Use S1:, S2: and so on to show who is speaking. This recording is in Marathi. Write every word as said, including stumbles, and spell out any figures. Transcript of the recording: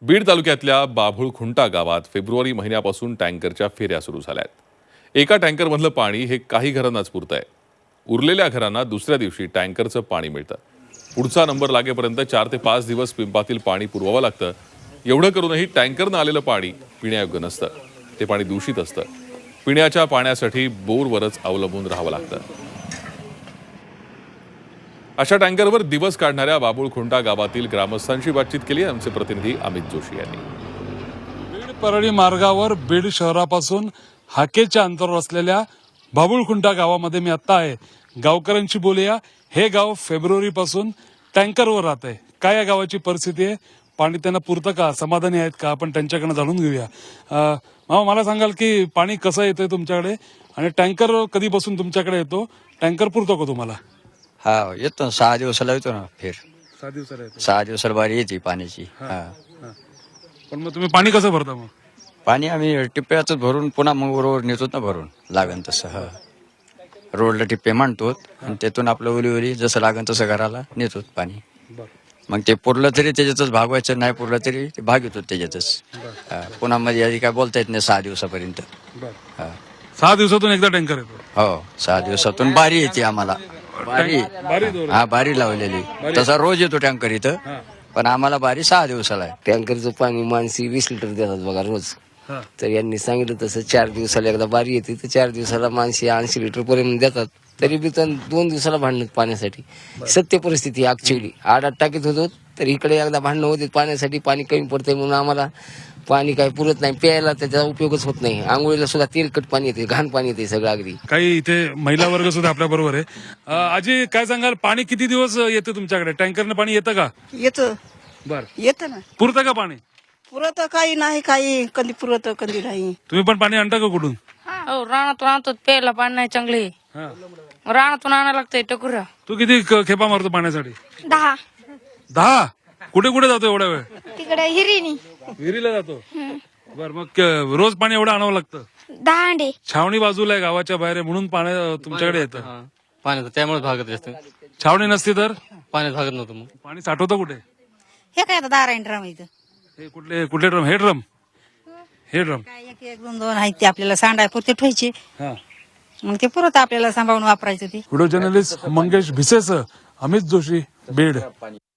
S1: बीड तालुक्यातल्या बाभुळखुंटा गावात फेब्रुवारी महिन्यापासून टँकरच्या फेऱ्या सुरू झाल्या आहेत। एका टँकरमधलं पाणी हे काही घरांनाच पुरतंय। उरलेल्या घरांना दुसऱ्या दिवशी टँकरचं पाणी मिळतं। पुढचा नंबर लागेपर्यंत चार ते पाच दिवस पिंपातील पाणी पुरवावं लागतं। एवढं करूनही टँकरनं आलेलं पाणी पिण्यायोग्य नसतं। ते पाणी दूषित असतं। पिण्याच्या पाण्यासाठी बोरवरच अवलंबून राहावं लागतं। अशा टँकरवर दिवस काढणाऱ्या बाभुळखुंटा गावातील ग्रामस्थांशी बातचीत केली आमचे प्रतिनिधी अमित जोशी यांनी।
S2: बीड परळी मार्गावर बीड शहरापासून हाकेच्या अंतरावर असलेल्या बाभुळखुंटा गावामध्ये मी आता आहे। गावकऱ्यांशी बोलूया। हे गाव फेब्रुवारी पासून टँकरवर राहत आहे। काय या गावाची परिस्थिती आहे, पाणी त्यांना पुरतं का, समाधानी आहेत का, आपण त्यांच्याकडे जाणून घेऊया। मामा, मला सांगाल की पाणी कसं येतंय तुमच्याकडे आणि टँकर कधीपासून तुमच्याकडे येतो? टँकर पुरतो का तुम्हाला?
S3: हा, येतो ना, सहा दिवसाला येतो ना फेर
S2: सहा दिवसाला येतो।
S3: सहा दिवसाला बारी येते पाण्याची। हा,
S2: पण मग तुम्ही पाणी कसं भरता? मग
S3: पाणी आम्ही टिप्प्याच भरून पुन्हा मग रोड नेतो ना भरून लागन तसं। हा, रोडला टिप्पे मांडतो आणि त्यातून आपलं ओली ओली जसं लागन तसं घराला नेतो पाणी। मग ते पुरलं तरी त्याच्यातच भागवायचं, नाही पुरलं तरी ते भाग येतो त्याच्यातच। हा, पुन्हा मध्ये आधी काय बोलता येत नाही सहा दिवसापर्यंत। हा,
S2: सहा दिवसातून एकदा टँकर येतो?
S3: हो, सहा दिवसातून बारी येते आम्हाला। बारी, हा, बारी लावलेली। तसा रोज येतो टँकर इथं, पण आम्हाला बारी सहा दिवसाला आहे।
S4: टँकरचं पाणी माणसी वीस लिटर देतात बघा रोज। तर यांनी सांगितलं तसं चार दिवसाला एकदा बारी येते, तर चार दिवसाला माणसी ऐंशी लिटर पर्यंत देतात। तरी बी तर दोन दिवसाला भांडण पाण्यासाठी। सत्य परिस्थिती ऍक्च्युअली आठ आठ टाकीत होतो, तर इकडे एकदा भांडणं होते पाण्यासाठी। पाणी कमी पडतंय म्हणून आम्हाला पाणी काही पुरत नाही, प्यायला त्याचा उपयोगच होत नाही। आंघोळीला सुद्धा तेलकट पाणी येते, घाण पाणी येते सगळं अगदी।
S2: काही इथे महिला वर्ग सुद्धा आपल्या बरोबर आहे। अं, आजी, काय सांगाल, पाणी किती दिवस येतं तुमच्याकडे? टँकरनं पाणी येतं का?
S5: येतं
S2: बर,
S5: येतं ना।
S2: पुरतं का पाणी?
S5: पुरत काही नाही, काही कधी पुरत कधी नाही।
S2: तुम्ही पण पाणी आणता का कुठून?
S6: हो, रानातून आणतो, प्यायला पाणी नाही चांगले।
S2: हा.
S6: रानातून आणायला लागतंय टकुरा।
S2: तू किती क- खेपा मारतो पाण्यासाठी?
S6: दहा
S2: दहा? कुठे कुठे जातो एवढा वेळ?
S6: तिकडे हिरीनी
S2: विहिरीला जातो। बर, मग क- रोज पाणी एवढं आणावं लागतं?
S6: दहा अंडे।
S2: छावणी बाजूला आहे, गावाच्या बाहेर आहे, म्हणून पाणी तुमच्याकडे येतं।
S7: पाण्याचं त्यामुळे भागत असतं।
S2: छावणी नसती तर
S7: पाण्यात भागत नव्हतं मग।
S2: पाणी साठवतं कुठे?
S6: हे काय आता दारा ड्रम इथं
S2: हे कुठले कुठले ड्रम? हे ड्रम, हे ड्रम
S6: काय एक एक दोन दोन आहेत, ते आपल्याला सांडाय पुरते ठेवायचे,
S2: हा।
S6: मग ते पुरत आपल्याला सांभाळून वापरायचं ते।
S2: व्हिडिओ जर्नलिस्ट मंगेश भिसेसह अमित जोशी, बीड।